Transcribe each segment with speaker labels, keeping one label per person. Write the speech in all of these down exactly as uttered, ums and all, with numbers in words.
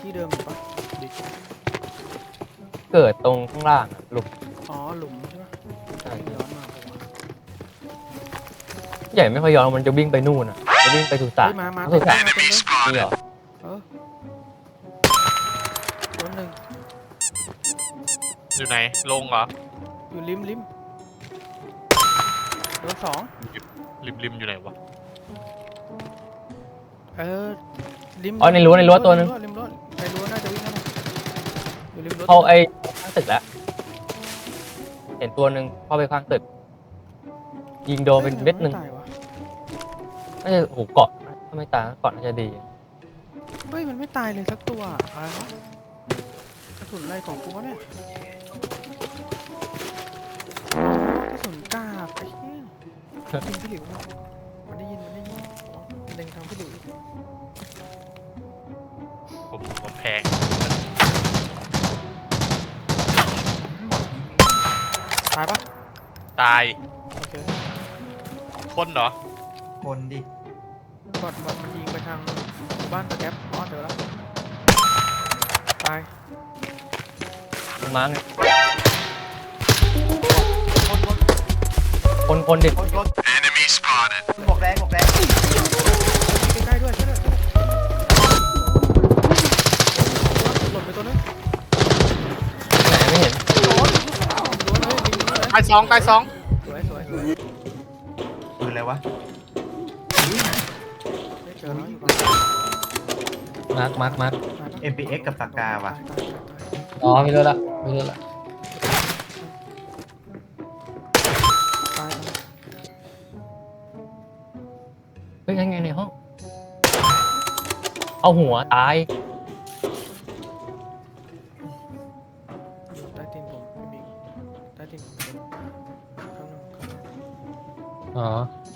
Speaker 1: ที่เดิมอยู่ปะดิ
Speaker 2: เกิดตรงข้างล่างอะหลุม
Speaker 1: อ๋อหลุมใช่ปะ
Speaker 2: ใช่
Speaker 1: ย้อนมาปะวะ
Speaker 2: ใหญ่ไม่ค่อยย้อนมันจะวิ่งไปนู่นอ่ะจะวิ่งไปสุสา
Speaker 1: เฮ้
Speaker 2: น
Speaker 1: ยมามา
Speaker 2: สุ
Speaker 1: เต็ม
Speaker 2: สาน
Speaker 1: เลยมาเต็มเลย
Speaker 2: นี่เหรอ
Speaker 1: เออตัวหนึ่ง
Speaker 3: อยู่ไหนลงเหรอ
Speaker 1: อยู่ริมริมตัวสอง
Speaker 3: ริมริมอยู่ไหนวะ
Speaker 1: เออริม
Speaker 2: อ๋อในรั้วในรั้วตัวนึง
Speaker 1: ริมรั้วในรั้วน่าจะวิ่งเข้ามาอยู่ริมรั้ว
Speaker 2: เข้าไอ้ข้างตึกแล้วเห็นตัวหนึ่งเข้าไปข้างตึก ยิงโดนเป็นเม็ดหนึ่ง
Speaker 1: ฮ้ยมัไม่ตายวะ
Speaker 2: น่าจะโอ้โหเกาะถ้าไม่ตายเกาะน่าจะดี
Speaker 1: เฮ้ยมันไม่ตายเลยสักตัวอะไรวะกระสุนอะไรของกูวะเนี่ยกระสุนกาบไอ้เหี้ยยิงพี่หลิวมันได้ยินมันได้ยินมันเล็งทางพี่หลิว
Speaker 3: ผมผมแพง
Speaker 1: ตายปะ
Speaker 3: ตาย
Speaker 1: โอเค
Speaker 3: คนเหรอ
Speaker 4: คนดิ
Speaker 1: บอดบอดมันยิงไปทางหมู่บ้านตะแกร็บอ๋อเจอแล้วตาย
Speaker 2: มาไง
Speaker 1: คนคน
Speaker 2: คนคนดิ
Speaker 4: คนคนหมวกแดงหมวกแดง
Speaker 1: ใกล้ๆด้วยใช่ด้วยหล่นไปตัวนึง
Speaker 2: ไหนไม่เห็น
Speaker 1: โดนโดนเลยยิงเลย
Speaker 3: ตายสองตายสอง
Speaker 1: สวยสวยสวย
Speaker 4: ปืนอะไรวะ
Speaker 1: ได้เจอแล้วอยู่บ้าน
Speaker 2: มาร์คมาร์คมาร์ค
Speaker 4: เอ็ม พี เอ็กซ์ กับปากกาว่ะ
Speaker 2: อ๋อไม่รู้ละไม่รู้ละ
Speaker 1: ตาย
Speaker 2: เฮ้ยยังไงในห้อง เอาหัวตาย
Speaker 1: อยู่ใต้ตีนผมพี่บิ๊กใต้ตีนผมข้างนอกข้างนอก
Speaker 2: อ๋อ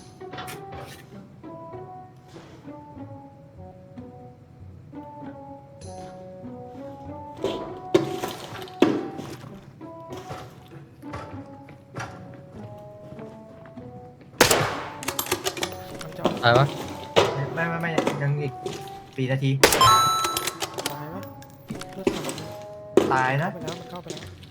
Speaker 1: มันจะ
Speaker 2: ตายวะ
Speaker 4: ไม่ไม่ไม่ยังอีกสี่นาที
Speaker 1: ตายวะเลือดสาด
Speaker 4: ตายนะ
Speaker 1: เข้าไปแล้วมันเข้าไปแล้ว